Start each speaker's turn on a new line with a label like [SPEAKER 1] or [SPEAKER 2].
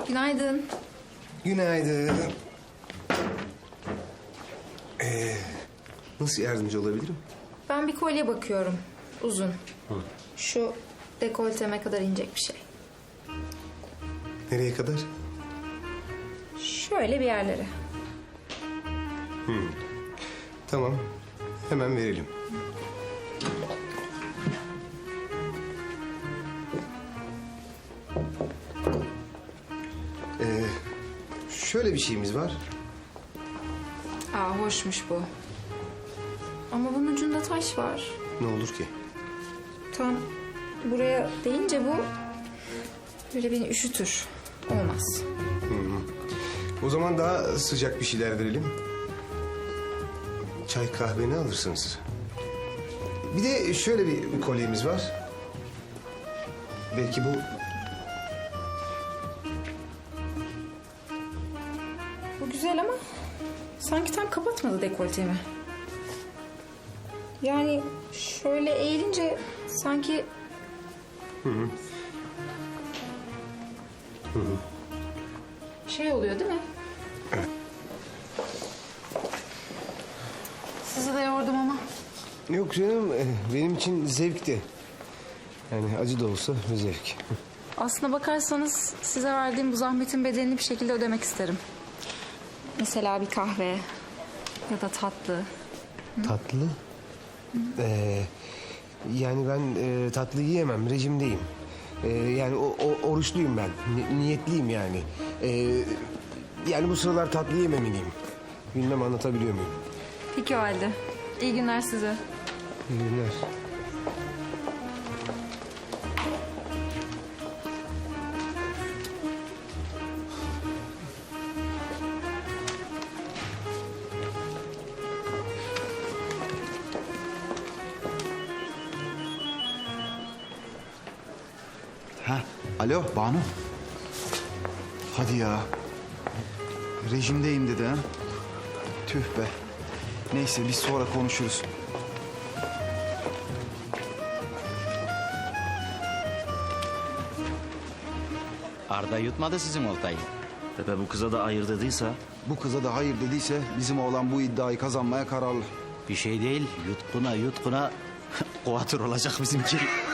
[SPEAKER 1] Günaydın.
[SPEAKER 2] Günaydın. Nasıl yardımcı olabilirim?
[SPEAKER 1] Ben bir kolye bakıyorum. Uzun. Şu dekolteme kadar inecek bir şey.
[SPEAKER 2] Nereye kadar?
[SPEAKER 1] Şöyle bir yerlere.
[SPEAKER 2] Tamam. Hemen verelim. Şöyle bir şeyimiz var.
[SPEAKER 1] Aa, hoşmuş bu. Ama bunun ucunda taş var.
[SPEAKER 2] Ne olur ki?
[SPEAKER 1] Tam buraya değince bu böyle beni üşütür. Olmaz.
[SPEAKER 2] O zaman daha sıcak bir şeyler verelim. Çay kahve ne alırsınız? Bir de şöyle bir kolyemiz var. Belki bu...
[SPEAKER 1] Bu güzel ama sanki tam kapatmadı dekoltemi. Yani şöyle eğilince sanki... Şey oluyor değil mi?
[SPEAKER 2] Evet.
[SPEAKER 1] Sizi de yordum ama.
[SPEAKER 2] Yok canım, benim için zevkti. Yani acı da olsa bir zevk.
[SPEAKER 1] Aslına bakarsanız size verdiğim bu zahmetin bedelini bir şekilde ödemek isterim. Mesela bir kahve ya da tatlı.
[SPEAKER 2] Tatlı? Yani ben tatlı yiyemem, rejimdeyim. Yani oruçluyum ben, niyetliyim yani. Yani bu sıralar tatlı yememeliyim. Bilmem anlatabiliyor muyum?
[SPEAKER 1] Peki o halde. İyi günler size.
[SPEAKER 2] İyi günler.
[SPEAKER 3] Ha, alo Banu. Hadi ya. Rejimdeyim dedi ha. Tüh be. Neyse biz sonra konuşuruz.
[SPEAKER 4] Arda yutmadı sizin oltayı.
[SPEAKER 5] Tepe bu kıza da hayır dediyse
[SPEAKER 3] Bu kıza da hayır dediyse bizim oğlan bu iddiayı kazanmaya kararlı.
[SPEAKER 4] Bir şey değil, yutkuna yutkuna kuatır olacak bizimki.